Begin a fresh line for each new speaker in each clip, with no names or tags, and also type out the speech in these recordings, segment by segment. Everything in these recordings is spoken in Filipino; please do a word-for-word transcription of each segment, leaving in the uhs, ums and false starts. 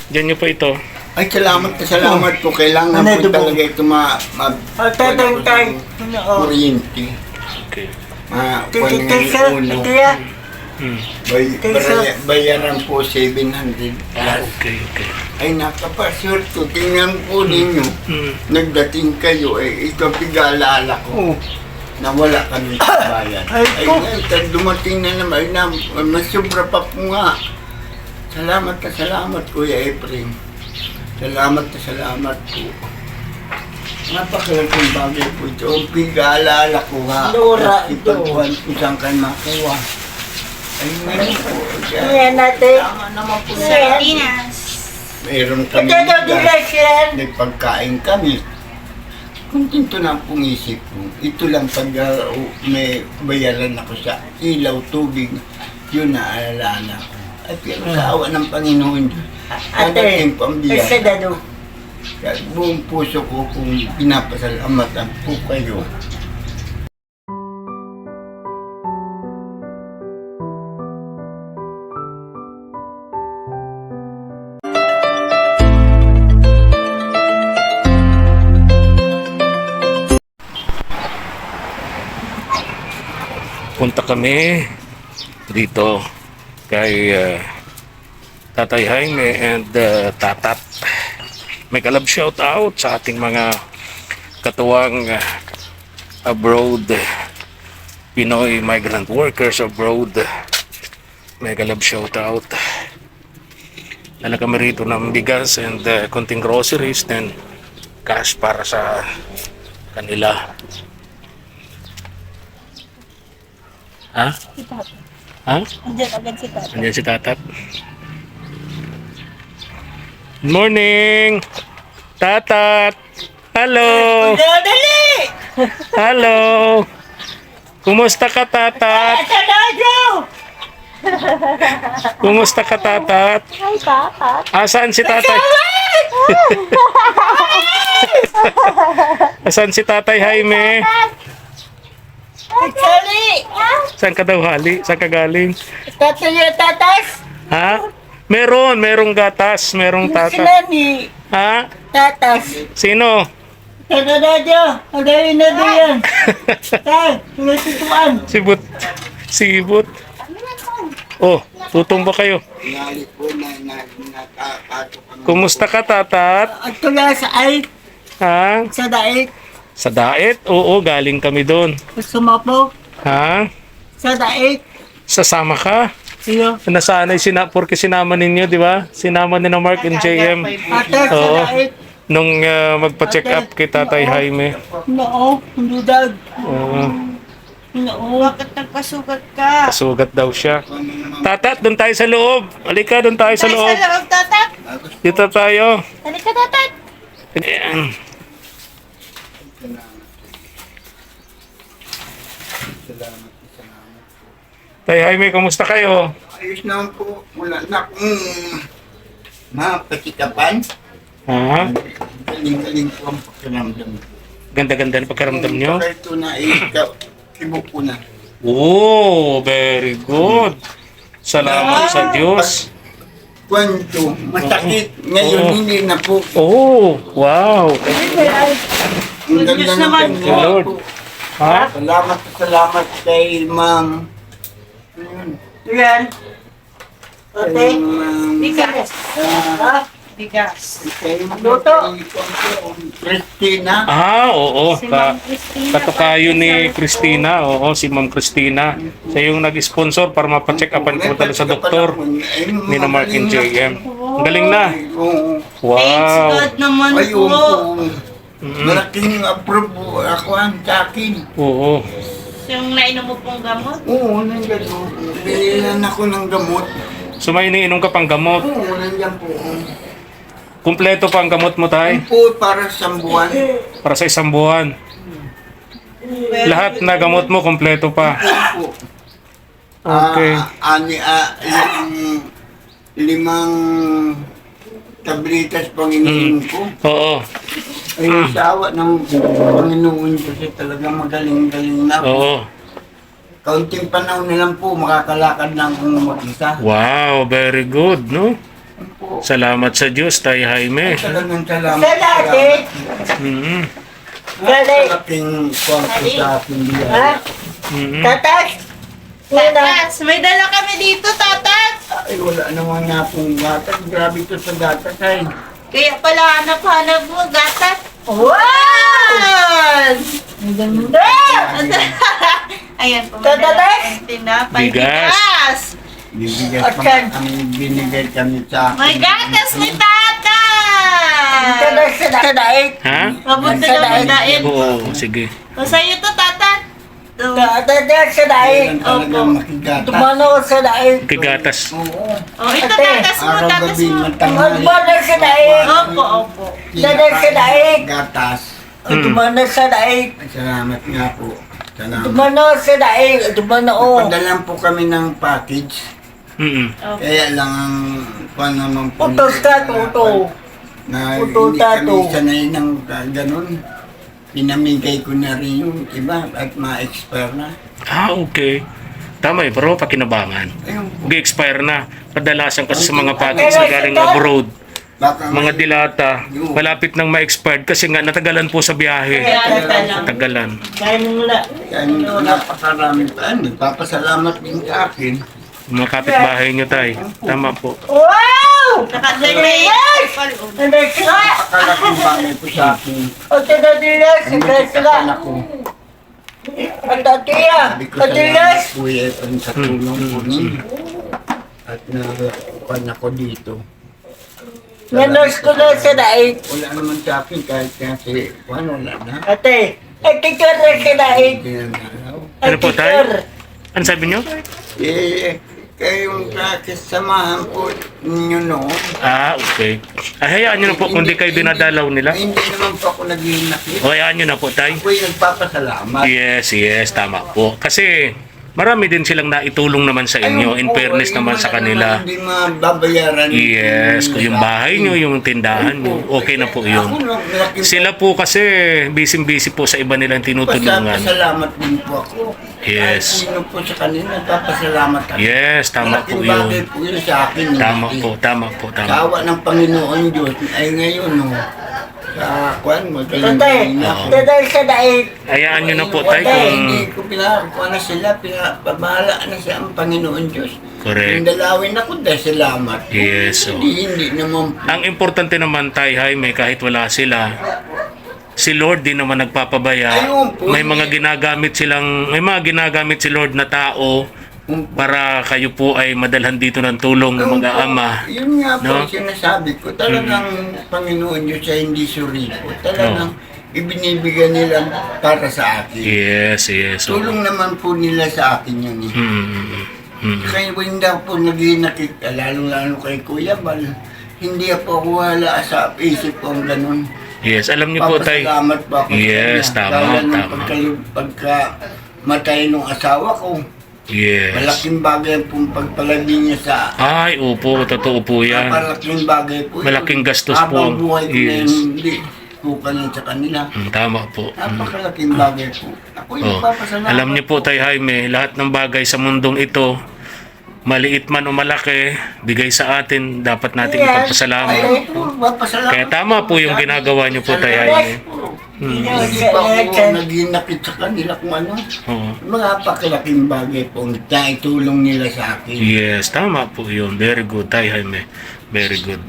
Diyan nyo po ito.
Ay, salamat na salamat po. Kailangan
Ano
po
ito po?
talaga ito ma... ma
Ay, tatay, tay. Ano, oh.
kuryente.
Okay.
Ma...
Tay, tay, sir.
ulo.
Ito yan.
Hmm.
Bay,
Tay,
baraya-
sir.
bayaran po seven hundred
Ah,
plus.
okay, okay.
Ay, nakapasyorto. Tingnan po ninyo.
Hmm.
Nagdating kayo, eh, ito pigaalala ko.
Oh.
Na wala kami sa bayan.
Ay,
Ay,
ko.
ngayon, tad dumating na naman, na, masubra pa po nga. Salamat na salamat, Kuya Efren. Salamat na salamat po. Napakalaking bagay po ito. Ang pig-aalala ko nga.
Lura,
Kasi
ito.
pagkuhan ko saan kayo makuha. Ay, ngayon po.
Ayan natin.
Tama naman po.
Sardinas.
Meron kami
Ito daw nila, sir.
nagpagkain kami. Kontento na ang isip ko. Ito lang pag uh, may bayaran ako sa ilaw, tubig, yun naaalala ko. At pero sa awa ng Panginoon,
Ate,
dadating po ang
ay,
biyaya.
sa dado.
Kaya buong puso ko kung pinapasalamatan po kayo.
Punta kami dito kay uh, Tatay Jaime and uh, Tatat. May kalab shout out sa ating mga katuwang uh, abroad, Pinoy migrant workers abroad. May kalab shout out. Dala kami rito ng bigas and uh, konting groceries then cash para sa kanila. Ha?
Si Tata.
Ha?
Andiyan agad si Tata.
Andiyan si Tatat. Good morning! Tatat! Hello!
Dali!
Hello! Kumusta ka, Tatat?
Sa dado!
Kumusta ka, Tatat?
Hi, Tata.
Asan si Tatay? Asan si Tatay Jaime?
Sali!
Saan ka daw hali? Saan ka galing?
Tatay yung tatas!
Ha? Meron, merong gatas, merong
Sila
tatat.
ni
Ha?
tatas.
Sino?
Sa dado! Ang gawin na doon yan. Tay, sinututuan.
Sibut. Sibut. Oh, tutumba kayo.
Nali po na na nakakato kami.
Kumusta ka, Tatat?
At tula sa ay,
Ha?
sa daig.
Sa daet? Oo, galing kami doon.
Gusto mo po?
Ha?
Sa daig.
Sasama ka?
Iyo.
Nasanay sina porque sinama ninyo, di ba? Sinama ni na Mark and J M
Ate, sa
Oo.
daig.
nung uh, magpa-check up kay Tatay Jaime.
Noo, hindi dag.
Oo,
Noo.
Bakit nagpasugat ka?
kasugat daw siya. Tatat, doon tayo sa loob. Halika, doon tayo sa
Tayo
loob.
sa loob, Tata.
Dito tayo.
Halika, Tata.
Ayan.
Salamat, salamat.
Tay Jaime, kamusta kayo?
Ayos naman po. Wala na akong mapatikapan.
Ha?
Galing-galing po ang pakiramdam ko.
Ganda-ganda ng pagkaramdam nyo?
Kung ito na ikaw, ibo ko na.
Oh, very good. Salamat sa Diyos.
Kwento, masakit. Ngayon
Oo.
hindi na po.
Oh, wow.
Ang ganda ng
Thank you,
kanya
Lord.
po.
Ha?
Salamat, salamat kay ma'am. Ayun.
Yan.
Kay
Ate.
ma'am.
Bigas.
ah,
Bigas.
kay
Luto.
Christina.
Ah, oo.
Si
Ka
Ma'am Christina.
katukayo ni Christina. Oo, si Ma'am Christina. Siya yung nag-sponsor para mapacheck upan ko talaga sa doktor ni na Mark and J M. Ang galing na.
Oo.
Thanks
Wow.
God naman
Ayun
po.
po.
Mm.
Malaking approve po ako ang sa akin.
Oo.
Yung nainom mo pong gamot.
Oo, nandiyan po. Binilan ako ng gamot.
So may iniinom ka pang gamot.
Oo, nandiyan po.
Kumpleto pa ang gamot mo, Tay?
Yun po para sa buwan.
Para sa isang buwan. Lahat na gamot mo, kumpleto pa.
Yun po.
Okay.
Ah, ani, ah, yung limang tablitas Panginoon ko.
Oo.
Ay, sa awa ng Panginoon kasi talagang magaling-galing na po.
Oo.
Kaunting panahon na lang po, makakalakad na akong mag-isa.
Wow, very good, no?
Po.
Salamat sa Diyos, Tay Jaime.
Talagang salamat.
Sa dati.
Mm.
Galing.
Malaking kwan po sa aking
Ha?
biyaya.
Mm.
Tatas. Nina.
Tatas, may dala kami dito, tatas.
Ay, wala naman nga pong gatas. Grabe to sa gatas ay.
Kaya pala hanap-hanap mo, gatas.
Wow! Ang ganda.
Ayan po,
Tatas.
may dala kaming tinapay.
Bigas.
Bigas.
Bibigyan
At
pa
yan.
ang binigay kami sa
May
akin.
gatas ni tatas.
Tatas sa sa daig.
Ha?
Mabuti
Sa
na
daig.
magdain.
Oo, sige.
O sa'yo to, tatat. To.
Tatas sa daig.
Kailan talagang makigatas.
Tumano sa daig.
Kigatas.
Oo.
O, ito
Ate.
tatas mo,
Araw
tatas
gabi,
mo.
matanghali.
Magmano sa daig.
Opo, opo.
Tatas sa daig.
Gatas.
Hmm.
Tumano sa daig.
Ay, salamat nga po. Salamat.
Tumano sa daig. Tumano.
Padalan po kami ng package.
Mm.
Opo.
Kaya lang ang kwan naman po.
Utos ka, tuto.
Na
Uto,
hindi
tato.
kami sanay ng uh, ganun. Pinamigay ko na rin yung iba at ma-expire na.
Ah, okay. Tama eh, pero pakinabangan.
Ayun po.
Mag-expire na. Kadalasan kasi sa mga packets na galing abroad,
Baka
mga
may-
dilata, malapit nang ma-expired kasi nga natagalan po sa biyahe.
Kaya lang.
Tagalan.
Kaya mo na.
Kaya napakarami pa. Nagpapasalamat din sa akin.
Mga kapitbahay nyo, Tay. Tama po.
Wow!
Nakadalay.
Tadas ka.
Napakalaking bagay po sa akin.
O tadadilas.
Ang
Tadas ka.
magkakapan ako.
Ang tatiya.
Sabi ko salamat
Tadilas.
po yan sa tulong po ninyo. At nakuhan ako dito.
Nanos ko na sa daig.
Wala naman sa akin kahit kasi ano, wala na.
Ate. Ay, teacher na sa daig.
Ginagalaw.
Ano po, Tay? Ano sabi nyo?
Eh, kayong kakisamahan po ninyo noon.
Ah, okay. Ay, hayaan nyo na po kung di kayo dinadalaw nila.
Ay, hindi naman po ako naghihinakit.
O, hayaan nyo na po, Tay.
Ako'y nagpapasalamat.
Yes, yes, tama po. Kasi marami din silang naitulong naman sa inyo. In
Ayun po,
fairness
yung
naman sa
mga
kanila.
Hindi mababayaran.
Yes, kung yung bahay nyo, yung tindahan nyo, okay na po
Ako
yun.
lang, malaking
Sila po kasi busy-busy po sa iba nilang tinutulungan.
Pasalamat din po ako.
Yes.
Kahit sino po sa kanila, papasalamat ako.
Yes, tama po
Malaking bagay
yun.
po yun sa akin.
Tama
eh.
po, tama po,
Sa
tama.
awa ng Panginoon Diyos, ay ngayon, no, sa kwan,
Tatay.
magaling na ako.
Tadas sa daig.
Hayaan nyo na po, Tay,
Wala,
kung...
Hindi ko pinakuha na sila, pinapabahala na siya ang Panginoon Diyos.
Correct.
Yung dalawin ako dahil salamat.
Yes, so.
Hindi, hindi naman po.
Ang importante naman, Tay Jaime, kahit wala sila, si Lord din naman nagpapabaya.
Ayun po.
May mga ginagamit silang, may mga ginagamit si Lord na tao para kayo po ay madalhan dito ng tulong ng mga
Ayun po,
ama.
Yun nga po
No?
ang sinasabi ko. Talagang Panginoon Diyos ay hindi suripo. Talagang ibinibigay nila para sa akin.
Yes, yes. So,
Tulong naman po nila sa akin yun eh.
mm, mm, mm.
Kaya po hindi ako po naghinakit, lalo-lalo kay Kuya Bal. Hindi po ako wala sa isip ko ang ganun.
Yes, alam niyo po, Tay.
Papasalamat po ako
Yes,
sa kanya.
tama,
Dahil nung
tama.
Pagka, pagka matay nung asawa ko,
Yes.
malaking bagay pong pagpalagi niya sa
Ay, opo, totoo po yan.
malaking bagay po. yun.
Malaking gastos po.
Habang buhay ko na
Yes.
yun, hindi po kanyan sa kanila.
Mm, tama po. Mm.
Napakalaking bagay po. Ako yung
Oh.
papasalamat.
Alam niyo po, Tay Jaime, lahat ng bagay sa mundong ito, maliit man o malaki, bigay sa atin, dapat nating
Yes.
ipagpasalamat.
Ayun po, papasalamat.
Kaya tama po yung ginagawa niyo po, Tay Jaime. Hmm.
Hindi pa ako naghinakit sa kanila kung ano.
Oo.
Mga pakalaking bagay po ang naitulong nila sa akin.
Yes, tama po yun. Very good, Tay Jaime. Very good.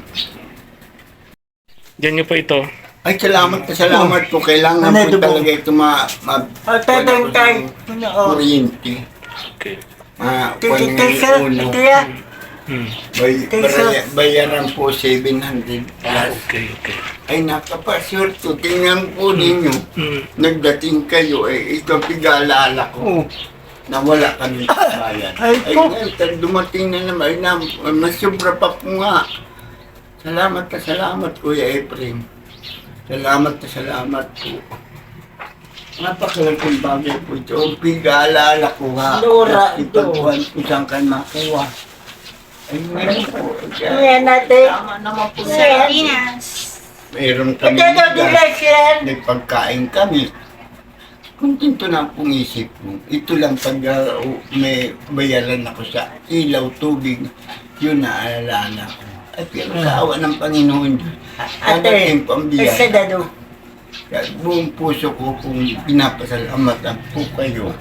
Diyan niyo po ito.
Ay, salamat na salamat po. Kailangan
Ano,
po
dubo?
talaga ito ma... ma
O tatay tay. Oo.
kuryente.
Okay.
Ma...
Titisa.
uno.
Tiya.
Hmm.
Bay, baraya- bayaran po seven hundred
Ah,
plus.
okay, okay.
Ay, nakapasyorto. Tingnan po ninyo.
Hmm.
Nagdating kayo, eh, ito pig-alala ko. Na wala kami sa bayan.
Ay,
Ay,
po.
ngayon, tal- dumating na naman. Ay, na, mas sobra pa po nga. Salamat na salamat, Kuya Efren. Salamat na salamat po. Napakalaking bagay po ito. Ang pig-alala ko nga.
Lura, ito.
Ipagkuhan ko saan kayo makuha. Ay, meron po.
Ayan natin.
Tama naman po.
Sardinas.
Meron kami.
Ito daw dilas yan.
May pagkain kami. Kontento na akong isip ko. Ito lang pag uh, may bayaran ako sa ilaw, tubig, yun naaalala ko. At pero sa awa ng Panginoon,
Ate,
dadating po ang
isa
biyaya.
dado.
Kaya buong puso ko kung pinapasalamatan po kayo.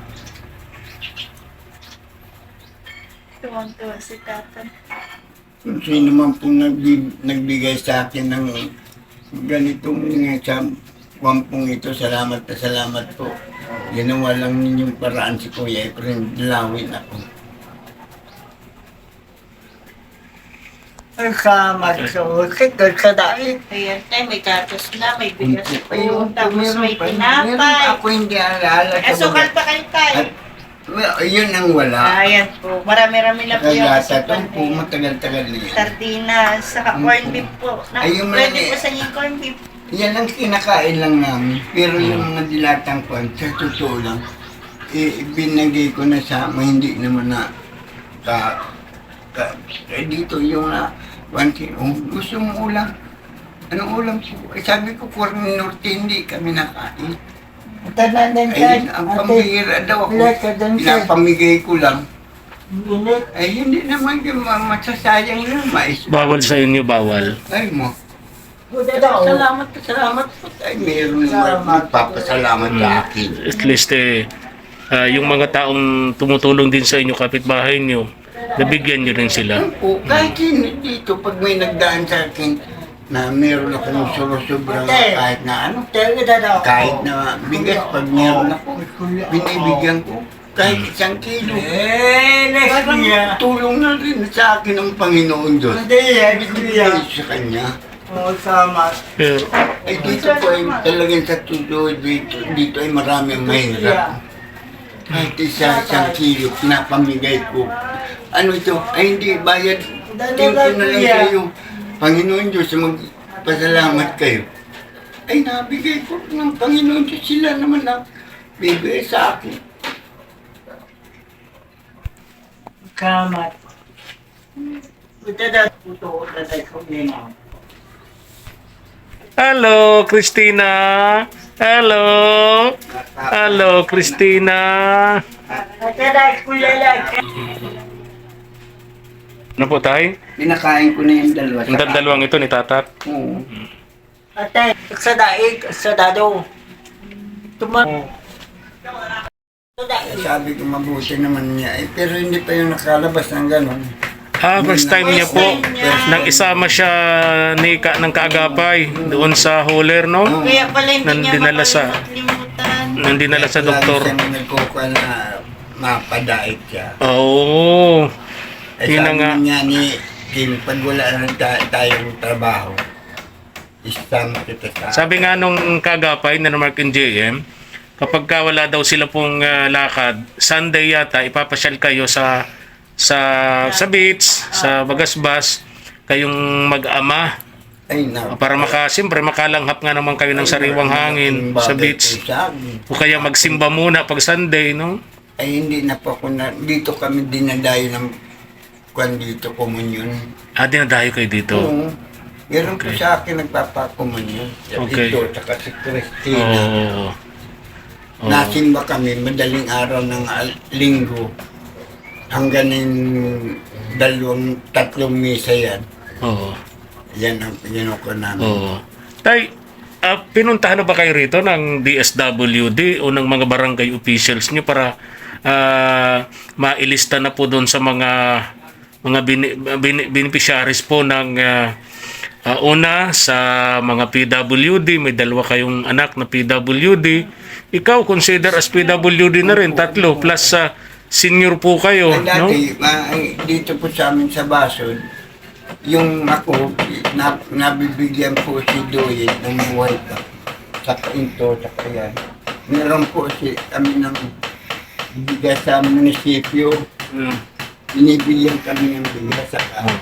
Tuwang-tuwa si Tata.
Kung sino man po nagbig, nagbigay sa akin ng ganitong uh, sa wampong ito, salamat na salamat po. Ginawa lang ninyong paraan si Kuya Efren, dalawin ako.
Ang sama sa usik, sa daig.
Ayan tayo, may gatos na, may bigas
Hindi
po.
pa yun.
Tapos
Meron
may
pa- meron
tinapay.
ako hindi alala sa
Asukal
mga-
pa kayo tayo.
At well, yun ang wala.
Ayan po, marami-rami na po yung
Kaya
asukal
tatong po,
na yan.
matagal-tagal na yan.
Sardinas, saka
Mm.
corned beef po. Na,
Ay, yung
pwede
mga-
po sa inyo yung corned beef.
Yan ang kinakain lang namin. Pero yung mga dilatang kwan, sa totoo lang, eh, binagay ko na sa ama, hindi naman na ka, ka, eh, dito yung na, one thing, oh, gusto mo ulam? Anong ulam po? Eh, sabi ko, Corn Norte, hindi kami nakain.
Tanan din
Ayun,
ka.
ang
Ate,
pambihira daw ako.
Wala ka dun, sir.
Pinapamigay ko lang.
init.
Ay, hindi naman yung ma- masasayang lang, mais.
Bawal sa inyo, bawal.
Ay mo.
Buda daw.
Salamat, salamat po. Ay, meron naman magpapasalamat sa akin.
At least eh, ah, yung mga taong tumutulong din sa inyo, kapitbahay nyo, nabigyan nyo rin sila.
O, kahit sino dito, pag may nagdaan sa akin na meron akong suro-sobrang kahit na ano,
Talaga daw.
kahit na bigas, pag meron ako, binibigyan ko. Kahit isang kilo.
Eh, next
Parang
year.
tulong na rin sa akin ng Panginoon Diyos.
Hindi, next year.
Ay, sa Kanya.
Oo, sama.
Pero,
Ay, dito po ay talagang sa tuloy dito, dito ay marami ang mahirap. Kahit isa isang kilo, pinapamigay ko. Ano ito? Ay, hindi, bayad. Tingin ko na lang sa iyo. Panginoon Diyos, magpasalamat kayo. Ay, nabigay ko ng Panginoon Diyos. Sila naman na bibigay sa akin.
Kamat. Buda daw. Puto, tatay ko nina.
hello, Christina! Hello! Hello, Christina!
Ate, dahil ko lalaki.
Ano po tayo?
Pinakain ko na yung dalawa.
Ang dalawang ito ni Tatat.
Oo.
Ate, sa daig, sa dado. Tuma. Sa daig.
Sabi ko mabuti naman niya. Eh, pero hindi pa yung nakalabas ng gano'n.
Ah, first time niya po. Nang isama siya ni ka, ng kaagapay doon sa Holer, no?
Kaya pala hindi
Nang
niya
dinala sa-
makalimutan.
Nang dinala sa doktor.
Lagi siyang nagkukuha na mapadait siya.
Oo.
Eh,
Yun na
sabi
nga.
niya ni Kim, pag wala na ta- tayong trabaho, isama kita sa...
Sabi nga nung kagapay na Mark and J M, kapag ka wala daw sila pong ah, lakad, Sunday yata, ipapasyal kayo sa sa sa beach, sa Bagasbas, kayong mag-ama
Ay, na.
para maka, siyempre makalanghap nga naman kayo ng sariwang hangin sa beach. O kaya magsimba muna pag Sunday, no?
Ay, hindi na po ako na... Dito kami dinadayo ng... Kwan dito, komunyon.
Ah, dinadayo kayo dito.
Oo. Meron po
Okay.
sa akin nagpapakomunyon.
Okay.
Ito, tsaka si
Oo.
Christina.
Oo. Oo.
Nasimba kami madaling araw ng al- linggo. Hanggang ng dalawang, tatlong misa yan.
Oo.
Yan ang pinuko namin.
Oo. Tay, ah, pinuntahan na ba kayo rito ng D S W D o ng mga barangay officials nyo para ah, mailista na po doon sa mga mga bini, bini, beneficiaries po ng ah, ah, una sa mga P W D, may dalawa kayong anak na P W D. Ikaw consider as P W D na rin, tatlo plus sa senior po kayo,
Ay,
no?
dati, ma- ay, dito po sa amin sa Basod, yung ako, na, nabibigyan po si Doyen ng buhay pa. Sa pinto, sa kaya. Meron po si kami ng bigas sa munisipyo.
Mm.
Binibigyan kami ng bigas sa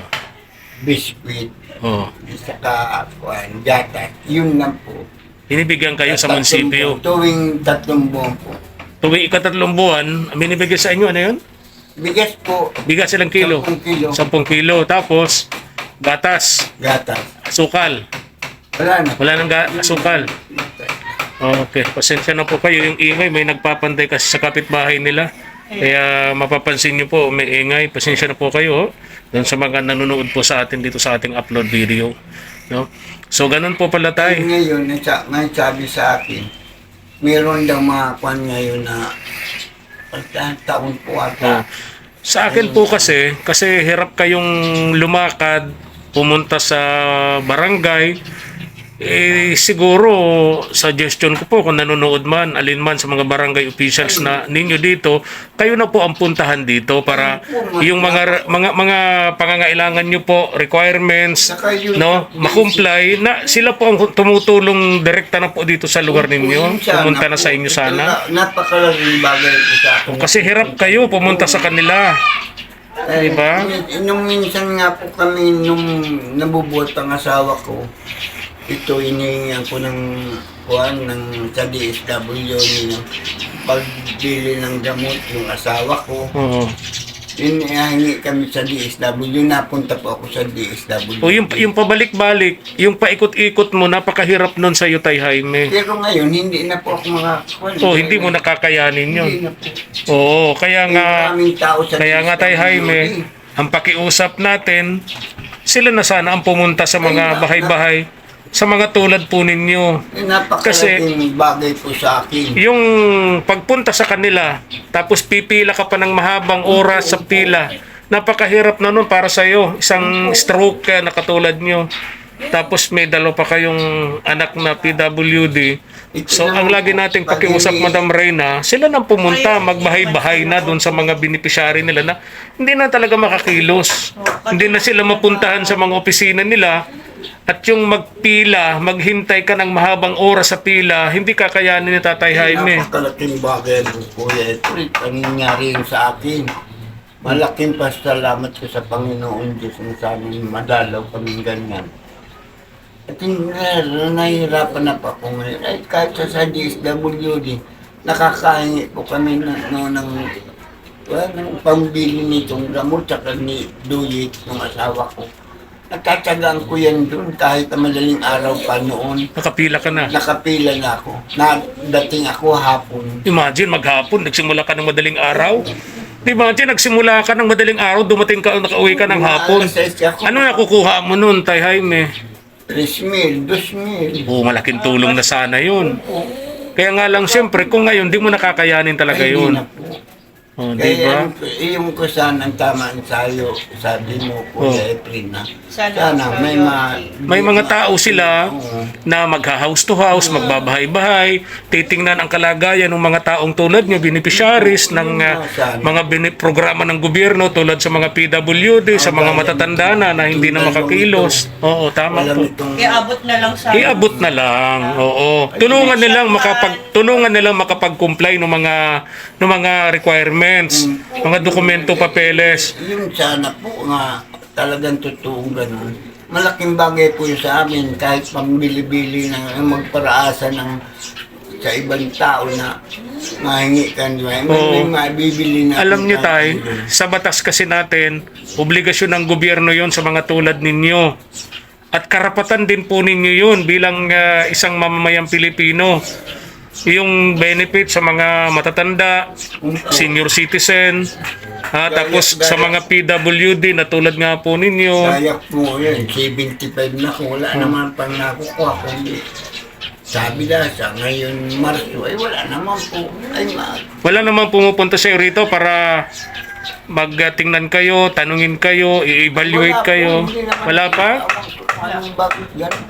biskuit,
Oh.
saka kuwan, gatas. Yun lang po.
Binibigyan kayo sa
Tatlong
munisipyo.
buwan, Tuwing tatlong buwan po.
Tuwing ikatatlong buwan, binibigyan sa inyo, ano yun?
Bigas po,
Bigas ilang kilo?
sampung kilo.
Sampung kilo. Tapos, gatas,
Gatas.
asukal.
Wala na.
Wala nang ga- asukal. Okay, pasensya na po kayo. Yung ingay, may nagpapanday kasi sa kapitbahay nila. Kaya mapapansin nyo po, may ingay. Pasensya na po kayo doon sa mga nanonood po sa atin dito sa ating upload video. No? So, ganun po pala
Ay,
tayo.
ngayon, nasa, ngayon sabi sa akin, meron daw mga kwan ngayon na pagka taon po
Oh.
ata.
Sa akin po kasi, kasi hirap kayong lumakad, pumunta sa barangay, eh siguro suggestion ko po kung nanonood man, alin man sa mga barangay officials na ninyo dito, kayo na po ang puntahan dito para yung mga mga mga pangangailangan nyo po, requirements,
Saka yun-
no, makumply na sila po ang tumutulong direkta na po dito sa lugar ninyo. Pumunta na sa inyo sana.
Napakalaking bagay ito sa akin.
Kasi hirap kayo pumunta sa kanila.
Eh,
Diba?
Nung minsan nga po kami, nung nabubuhat ang asawa ko, ito inihingan ko ng kuhan ng sa D S W yung pagbili ng gamot yung asawa ko.
Oo.
Hinihingi kami sa D S W, napunta po ako sa D S W.
O yung, yung pabalik-balik, yung paikot-ikot mo, napakahirap nun sa iyo, Tay Jaime.
Pero ngayon, hindi na po ako makakuha.
O, hindi mo nakakayanin yun.
Hindi na po.
Oo, kaya
Eh,
nga,
maraming tao sa
kaya nga Tay
D S W
Jaime,
eh.
ang pakiusap natin, sila na sana ang pumunta sa mga bahay-bahay, sa mga tulad po ninyo.
Eh, napakalaking bagay po sa akin.
Yung pagpunta sa kanila, tapos pipila ka pa ng mahabang oras sa pila, napakahirap na nun para sa iyo. Isang stroke ka na katulad nyo. Tapos may dalawa pa kayong anak na P W D. So ang lagi nating pakiusap, Madam Reyna, sila nang pumunta, magbahay-bahay na doon sa mga beneficiary nila na hindi na talaga makakilos. Hindi na sila mapuntahan sa mga opisina nila. At yung magpila, maghintay ka ng mahabang oras sa pila, hindi kakayanin ni Tatay Jaime.
Napakalaking bagay po, Kuya. Ito rin ang nangyari yun sa akin. Malaking pasalamat ko sa Panginoon Diyos na sa amin madalaw kaming ganyan. At hindi na, nahihirapan na pa ako ngayon. Ay, kahit sa, sa D S W D, nakakahingi po kami na, no, ng, well, ng pambili nitong gamot saka ni Duyit, ng asawa ko. Nagtatsagaan ko yan doon kahit na madaling araw pa noon.
Nakapila ka na.
Nakapila na ako. Nadating ako hapon.
Imagine, maghapon, nagsimula ka ng madaling araw. Imagine, nagsimula ka ng madaling araw, dumating ka, nakauwi ka ng hapon.
Alas seis ako.
Ano nakukuha mo nun, Tay Jaime?
Tres mil, dos mil.
Oo, malaking tulong na sana yun. Kaya nga lang, siyempre, kung ngayon, di mo nakakayanin talaga
Ay,
yun.
di na po.
Oh, di
Kaya
ba?
yung, yung ko sana ang tama sa'yo, sabi mo, Kuya Efren, na
Sana,
sana may ma...
May mga tao sila
Oo.
na mag-house to house, magbabahay-bahay, titingnan ang kalagayan ng mga taong tulad nyo, beneficiaries ng uh, mga bini- programa ng gobyerno tulad sa mga P W D, sa mga matatanda na na hindi na makakilos. Oo, tama
Alam
po.
itong...
Iabot na lang sa...
Iabot na lang. Oo. Tulungan nilang makapag tulungan nilang makapag-comply ng mga ng mga requirements, mga dokumento, papeles.
Yung sana po nga talagang totoong ganun. Malaking bagay po yun sa amin kahit pambili-bili ng magparaasa ng sa ibang tao na mahingi ka nila. May,
Oo.
may mabibili na.
Alam niyo tay, sa batas kasi natin, obligasyon ng gobyerno 'yon sa mga tulad ninyo. At karapatan din po ninyo 'yun bilang ah, isang mamamayang Pilipino. Yung benefit sa mga matatanda, senior citizen, ha, tapos sa mga P W D na tulad nga po ninyo.
Kaya po yun, seventy-five na ko. Wala naman pang nakukuha. Kundi sabi na sa ngayon Marso, ay wala naman po. Ay ma...
Wala namang pumupunta sa rito para magtingnan kayo, tanungin kayo, i-evaluate
Wala po,
kayo.
hindi naman
Wala pa?
Anong bakit gano'n?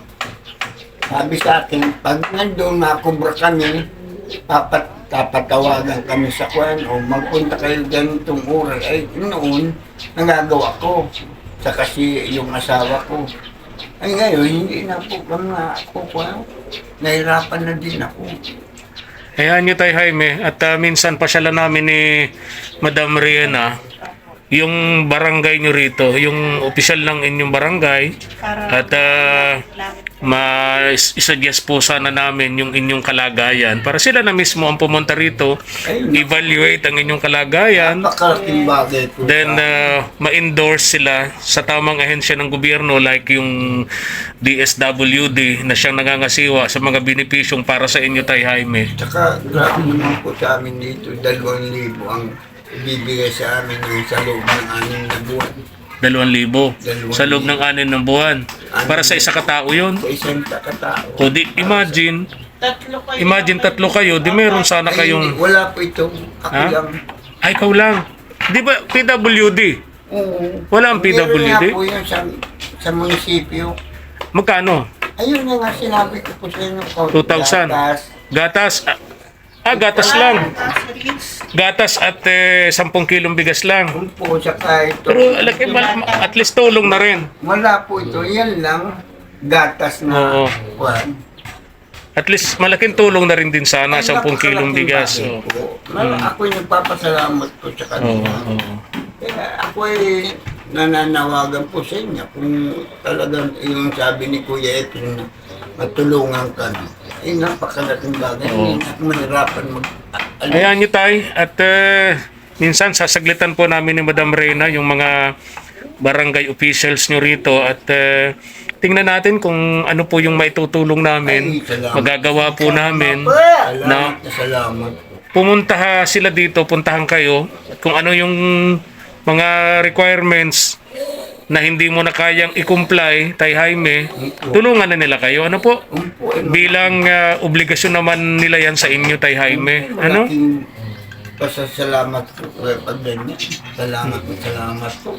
Sabi sa akin, pag nandun nakubra kami, papat, papatawagan kami sa kwan o magpunta kayo ganitong oras. Ay, noon, nagagawa ko. Sa kasi yung asawa ko. Ay ngayon, hindi na po kami nakukuha. Nahirapan na din ako.
Ayan nyo tayo Jaime, at ah, minsan pasyalan namin ni Madam Riena yung barangay nyo rito, yung opisyal ng inyong barangay, at uh, ma-suggest po sana namin yung inyong kalagayan para sila na mismo ang pumunta rito, evaluate ang inyong kalagayan,
Napakalaking bagay po.
then uh, ma-endorse sila sa tamang ahensya ng gobyerno like yung D S W D na siyang nangangasiwa sa mga benepisyong para sa inyo tayo Jaime.
Tsaka grabe naman po sa amin dito, dalawang libo ang bibigay sa amin yung sa loob ng anim na buwan.
Dalawang libo.
Dalawang
Sa loob ng anin ng buwan. Para sa isa katao yun.
Sa isang katao.
O di, imagine,
Tatlo kayo.
imagine tatlo kayo, di meron sana
Ay,
kayong...
hindi, wala po ito. Ako
Ha?
lang.
Ay, ikaw lang. Di ba P W D?
Oo.
Wala ang P W D?
Meron nga po yun sa, sa munisipyo.
Magkano?
Ayun na nga sinabi ko po sa inyo.
two thousand.
Gatas.
Gatas. Ah, ah, gatas lang. Gatas at eh, sampung kilong bigas lang.
Kung po sa kahit
Pero alaki, mal- at least tulong na rin.
wala po ito. Yan lang. Gatas na.
Oo.
Kwan.
At least malaking tulong na rin din sana,
Ay,
sampung kilong
napakalaking
bigas.
bagay
Oo.
po. Mal- Ako'y nagpapasalamat po sa
Oo,
kanila.
oo.
Kaya ako'y nananawagan po sa inyo kung talagang yung sabi ni Kuya Etin na matulungan ka na. Ay, napakalaking bagay.
Oo.
Hindi ako mahirapan mag... Alam,
Ayan nyo tay, at eh, minsan sasaglitan po namin ni Madam Reyna yung mga barangay officials nyo rito at eh, tingnan natin kung ano po yung maitutulong namin.
Ay, salamat.
Magagawa po namin.
Salamat
na-
na salamat.
Pumunta ha sila dito, puntahan kayo kung ano yung mga requirements na hindi mo na kayang i-comply, Tay Jaime, tulungan na nila kayo. Ano po?
Umpo, ay,
Bilang ah, obligasyon naman nila yan sa inyo, Tay Jaime. Ano?
malaking pasasalamat po kaya pag ganyan. Salamat po, salamat po.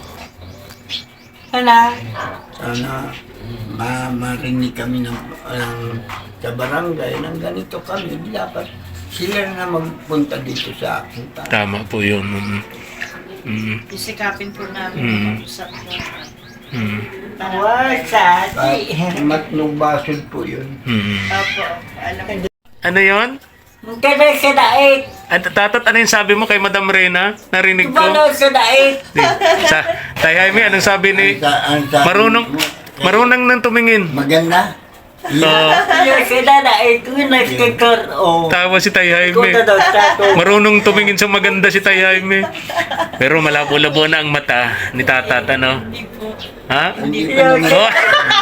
Ano?
Sana ma marinig kami ng, ng sa barangay ng ganito kami. Dapat sila na magpunta dito sa akin.
Tama po yun. Mm. Mm.
Isikapin po namin
Mm.
mag-usap mo.
Mm.
Para,
Wasati.
Kahit matnong basod po yun.
Mm.
opo, alam ko.
Ano yon?
Kada sa dait.
At tatat, ano yung sabi mo kay Madam Reyna? Narinig ko.
Balo sa dait.
Di. Sa, Tay Jaime, anong sabi ni...
Ang sa- ang sabi
Marunong,
mo,
marunong nang tumingin.
Maganda.
Oo.
Balo sa dait. Winas kikor. Oh.
Tawa si Tay Jaime.
Kuta daw sa to.
Marunong tumingin sa maganda si Tay Jaime. Pero malabo-labo na ang mata ni Tatat, ano?
Hindi po.
Ha?
Hindi pa naman.
Oh.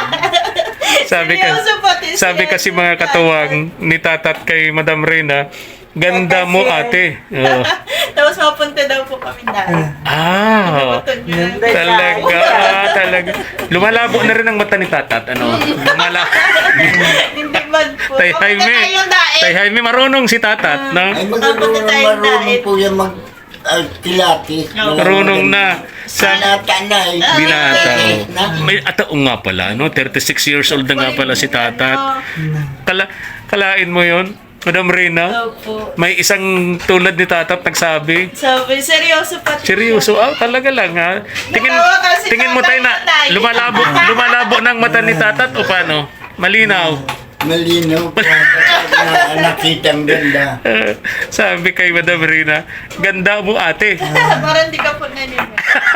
sabi ka,
Seryoso pati siya.
sabi kasi mga katuwang ni Tatat kay Madam Reyna, ganda mo ate. Oh.
Tapos mapunta daw po kami dahil.
Ah,
Putol niya.
talaga, talaga. Lumalabo na rin ang mata ni Tatat, ano? Lumala.
Hindi man po.
Tay
Papunta
Jaime,
tayong daig.
Tay Jaime, marunong si Tatat, no?
Ay magulong
Mapunta tayo
marunong
dahil.
po yan mag uh, kilatis.
Marunong na. Sa
Binata na eh.
binata.
Na.
Oh. May atao nga pala, no? thirty-six years old na nga pala si Tatat. Kala, kalain mo yon, Madam Reyna?
Opo.
May isang tulad ni Tatat nagsabi.
Sabi, seryoso pati
Seryoso, ah, talaga lang ha. Tingin,
Natawa kasi
tingin mo tayo na
tatay.
lumalabo, lumalabo ng mata ni Tatat o paano? Malinaw.
Malinaw po. na, nakita ang ganda.
Sabi kay Madam Reyna, ganda mo ate.
Parang di ka po naniniwala.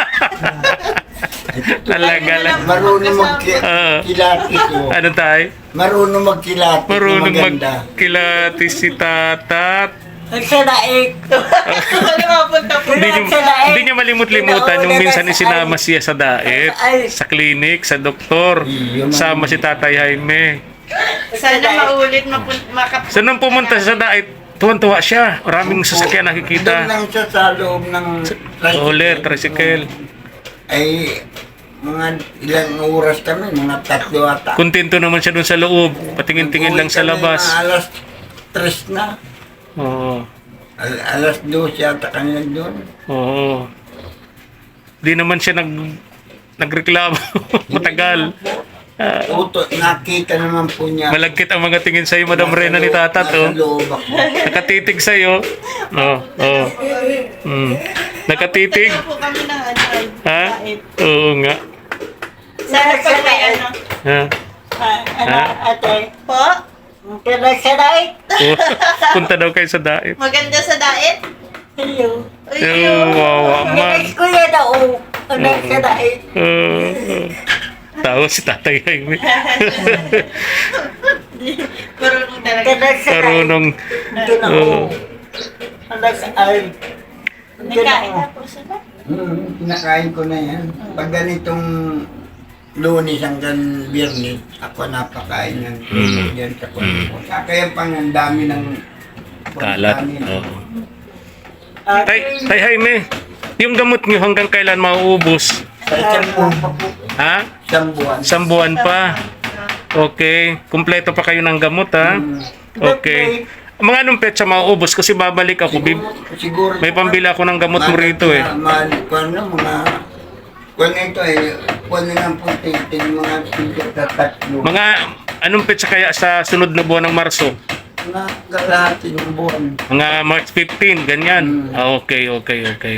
Talaga lang.
Marunong
Ah.
magkilatis oh.
Ano tayo?
Marunong magkilatis.
Marunong
maganda.
magkilatis si Tatat.
Sa dait.
Ano mapunta po?
Hindi niyo, hindi niya malimut-limutan yung minsan isinama siya sa daet, sa klinik, sa doktor. Sama si Tatay Jaime.
Sana maulit mapun- makap...
So nung pumunta siya sa daet, tuwan-tuwa siya. Maraming sasakyan
Doon
nakikita.
lang siya sa loob ng
Ulit, tricycle.
Ay, mga ilang oras kami, mga tatlo ata.
Kontento naman siya dun sa loob. Patingin-tingin lang sa
Uwi kami
labas.
mga alas tres na.
Oo.
Al alas dos yata kami nandun.
Oo. Di naman siya nag nagreklamo. Matagal. Ah,
Uto, nakita naman po niya.
malagkit ang mga tingin sa'yo, Madam Reyna ni Tatat.
Nasa
Oh.
loob ako.
Nakatitig sa'yo. Oo. Oh, Mm. Nakatitig.
Punta po kami ng ano. ay,
Ha?
bait.
Oo nga.
Sana pag may ano.
Ha?
Ano ate?
Po?
Kada sa dait.
Oo. Punta daw kayo sa daet.
Maganda sa diet?
Hello.
Oo, wawa man.
Ganas ko yan ako. Kada sa dait.
Oo. Tawa si Tatay Jaime.
Marunong talaga.
Kada sa dait.
Karunong.
Doon ako.
Oo.
Kada sa ay. Doon
Nagkain
ako.
na po sila.
Hmm, kinakain ko na yan. Pag ganitong Lunes hanggang Biyernes, ako napakain ng
Mm.
yan sa kwarto. Kaya pang ang dami ng
Kalat.
dami ng-
Oo.
Ah,
Tay, tay Jaime, yung gamot nyo hanggang kailan mauubos?
Sa isang buwan pa po.
Ha?
Isang buwan.
Isang buwan pa. Okay. Kumpleto pa kayo ng gamot, ha? Okay. Mga anong petsa mauubos? Kasi babalik ako. Bib-
Siguro, siguro
may pambili ako ng gamot mo rito, eh.
Mahal ko ano, mga... Kung ito eh, kung na lang po titin, mga tigit na tatlo.
Mga anong petsa kaya sa sunod na buwan ng Marso?
Mga kalahati ng buwan.
Mga March fifteenth, ganyan. Ah, okay, okay, okay.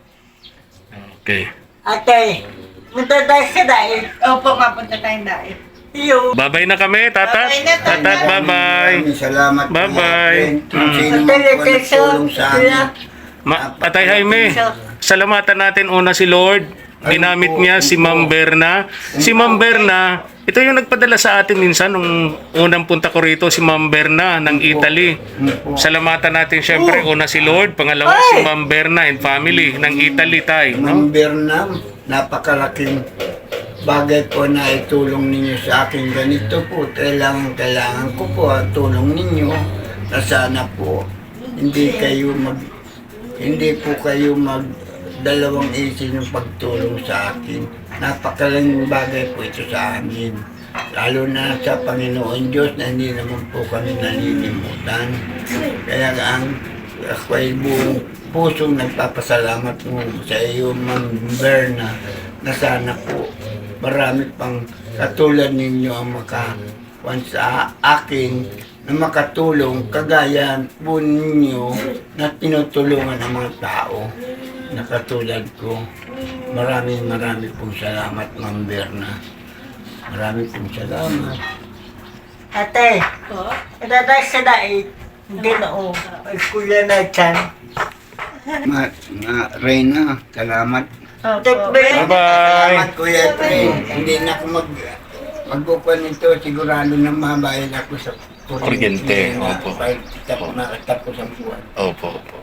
Okay.
Ate, punta tayo sa dahil.
Opo, mapunta tayong daet.
Iyo.
Bye-bye na kami, tatat.
Bye-bye na, tatat.
Tatat, bye-bye.
Maraming salamat. po,
Bye-bye.
mga friend. Kung
Mm.
sino man po nagtulong sa amin.
Ma Atay Jaime, salamatan natin una si Lord. Ginamit niya si Ma'am Berna. Si Ma'am Berna, ito yung nagpadala sa atin minsan nung unang punta ko rito, si Ma'am Berna ng Italy. Salamatan natin syempre una si Lord, pangalawa si Ma'am Berna and family ng Italy tayo, no?
Ma'am Berna, napakalaking bagay po na itulong ninyo sa akin. Ganito po, kailangan, kailangan ko po ang tulong ninyo na sana po hindi kayo mag hindi po kayo mag dalawang isip yung pagtulong sa akin. Napakalaking bagay po ito sa amin. Lalo na sa Panginoon Diyos na hindi naman po kami nalilimutan. Kaya ang ako ay buong pusong nagpapasalamat mo sa iyo, Ma'am Berna, na sana po marami pang katulad ninyo ang makakuan sa akin na makatulong kagaya po ninyo na tinutulungan ang mga tao na katulad ko. Maraming maraming pong salamat, Ma'am Berna. Maraming pong salamat.
Ate,
Po?
punta tayo sa dahil. Hindi na o. Kuya na dyan.
Ma, ma, Reyna, salamat.
Ate,
Opo.
Bye-bye.
Salamat, Kuya Efrain. Hindi na ako mag magbukuan nito. Sigurado na mabayan ako sa
Kuryente, opo.
Kahit tapos nakatapos ang buwan.
Opo, opo.